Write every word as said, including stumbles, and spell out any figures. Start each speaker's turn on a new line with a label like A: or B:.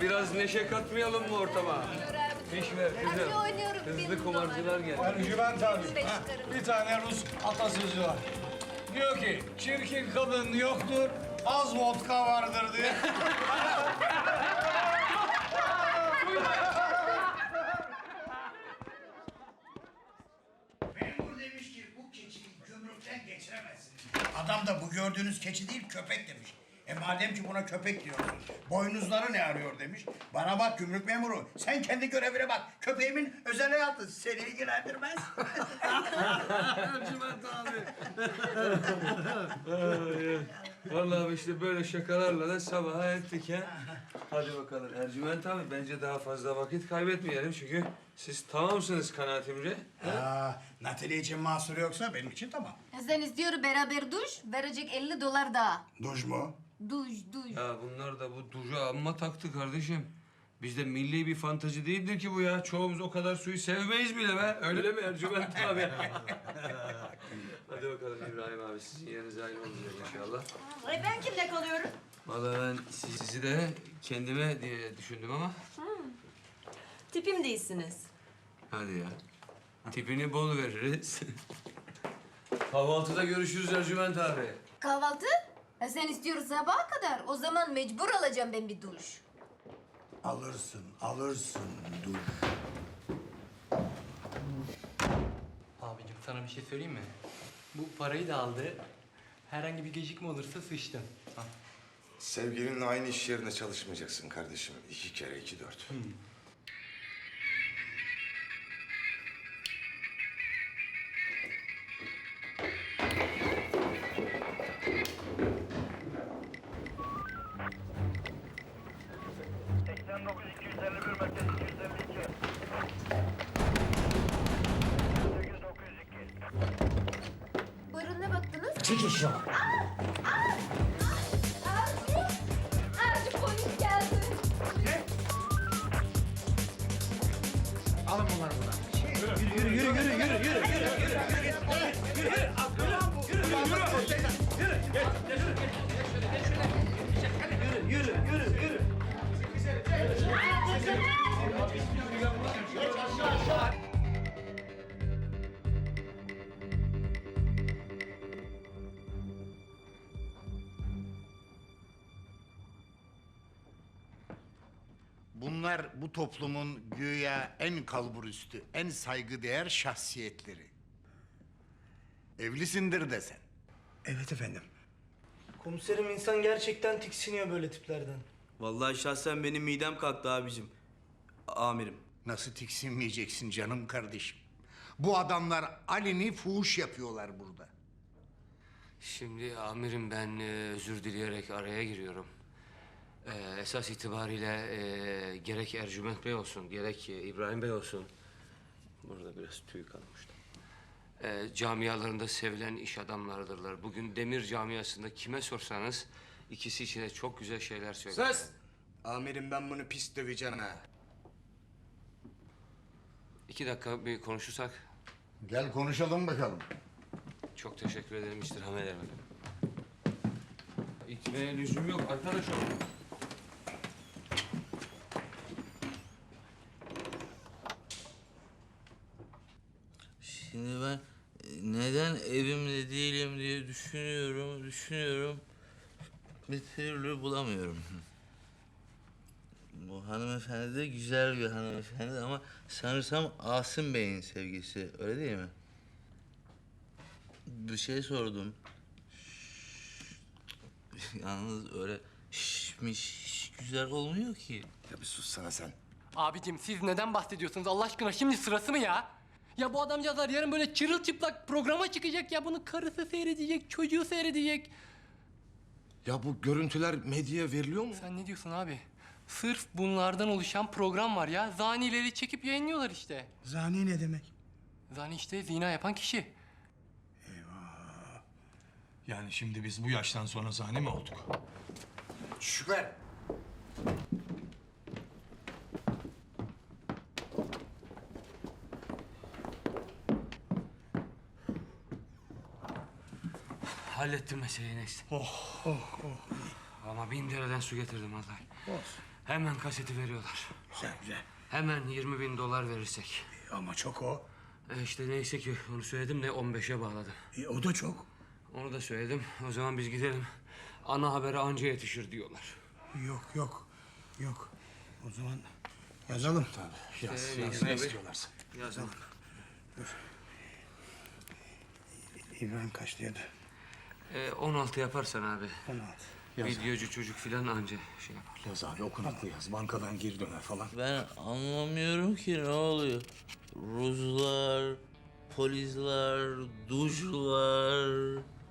A: biraz neşe katmayalım mı ortama? Fiş ver kızım.
B: Hadi oynuyorum.
A: Hızlı kumarcılar geldi.
C: Ercüment abi, ha, bir tane Rus atasözü var. Diyor ki, çirkin kadın yoktur, az vodka vardır diye.
D: Memur demiş ki bu keçiyi gümrükten geçiremezsin. Adam da bu gördüğünüz keçi değil köpek demiş. E madem ki buna köpek diyorsun, boynuzları ne arıyor demiş. Bana bak gümrük memuru, sen kendi görevine bak. Köpeğimin özel hayatı seni ilgilendirmez.
A: Ercüment abi. Vallahi işte böyle şakalarla da sabaha ettik ha. Hadi bakalım Ercüment abi, bence daha fazla vakit kaybetmeyelim çünkü siz tamamsınız kanaatimce.
D: Aa, Natalie için mahsur yoksa benim için tamam.
B: Sen istiyor beraber duş, verecek elli dolar daha.
D: Duş mu?
B: Duş, duş.
A: Ya bunlar da bu duşa amma taktı kardeşim. Bizde milli bir fantazi değildir ki bu ya. Çoğumuz o kadar suyu sevmeyiz bile be. Öyle mi Ercüment abi? Hadi bakalım İbrahim abi, sizin yeriniz aynı olacak inşallah.
E: E ben kimle kalıyorum?
A: Vallahi ben siz- sizi de kendime diye düşündüm ama.
E: Tipim değilsiniz.
A: Hadi ya. Tipini bol veririz. Kahvaltıda görüşürüz Ercüment abi.
B: Kahvaltı? Ha, sen istiyorsun sabaha kadar. O zaman mecbur alacağım ben bir duş.
D: Alırsın, alırsın duş.
F: Abicim sana bir şey söyleyeyim mi? Bu parayı da aldı. Herhangi bir gecikme olursa sıçtın. Ha.
G: Sevgilinle aynı iş yerinde çalışmayacaksın kardeşim. İki kere iki dört.
H: seksen dokuz iki yüz elli bir merkez iki yüz elli iki. sekiz dokuz yüz iki.
B: Buyurun, ne baktınız?
D: Çıkış yok.
B: Arzu! Arzu, polis geldi.
D: Alın bunları buradan. Bunlar bu toplumun güya en kalburüstü, en saygıdeğer şahsiyetleri. Evlisindir desen.
I: Evet efendim.
J: Komiserim insan gerçekten tiksiniyor böyle tiplerden.
I: Vallahi şahsen benim midem kalktı abicim. Amirim.
D: Nasıl tiksinmeyeceksin canım kardeşim? Bu adamlar aleni fuhuş yapıyorlar burada.
A: Şimdi amirim, ben e, özür dileyerek araya giriyorum. E, esas itibariyle e, gerek Ercüment Bey olsun, gerek e, İbrahim Bey olsun. Burada biraz tüy kalmıştı. E, camialarında sevilen iş adamlarıdırlar. Bugün demir camiasında kime sorsanız ikisi için de çok güzel şeyler söyler.
I: Sus! Amirim ben bunu pis döveceğim ha.
A: İki dakika bir konuşursak.
D: Gel konuşalım bakalım.
A: Çok teşekkür ederim istirham ederim. İtmeye lüzum yok arkadaşım.
K: Şimdi ben e, neden evimde değilim diye düşünüyorum, düşünüyorum. Bir türlü bulamıyorum. Bu hanımefendi de güzel bir hanımefendi ama sanırsam Asım Bey'in sevgisi, öyle değil mi? Bir şey sordum. Yalnız öyle şişmiş güzel olmuyor ki.
G: Ya bir sussana sen.
F: Abicim siz neden bahsediyorsunuz Allah aşkına, şimdi sırası mı ya? Ya bu adamcağızlar yarın böyle çırılçıplak programa çıkacak ya, bunu karısı seyredecek, çocuğu seyredecek.
G: Ya bu görüntüler medyaya veriliyor mu?
F: Sen ne diyorsun abi? Sırf bunlardan oluşan program var ya. Zanileri çekip yayınlıyorlar işte.
I: Zani ne demek?
F: Zani işte zina yapan kişi.
C: Yani şimdi biz bu yaştan sonra zani mi olduk?
D: Şükrü.
A: Hallettim meseleyi neyse.
C: Oh, oh, oh.
A: Ama bin dereden su getirdim vallahi.
D: Olsun.
A: Hemen kaseti veriyorlar.
D: Güzel güzel.
A: Hemen yirmi bin dolar verirsek.
D: Ama çok o.
A: E işte neyse ki onu söyledim de on beşe bağladım.
D: E, o da çok.
A: Onu da söyledim. O zaman biz gidelim. Ana habere anca yetişir diyorlar.
D: Yok yok. Yok. O zaman yazalım. Tabii.
A: Yaz,
D: Yaz,
A: yaz,
D: yaz, ne
A: tabii.
D: istiyorlarsa. Yazalım. Dur. İbrahim kaç diyordu?
A: E, on altı yaparsan abi.
D: on altı.
A: Videocu çocuk filan anca şey yapar.
C: Yaz abi okunaklı yaz. Bankadan geri döner falan.
K: Ben anlamıyorum ki ne oluyor. Ruslar, polisler, duşlar.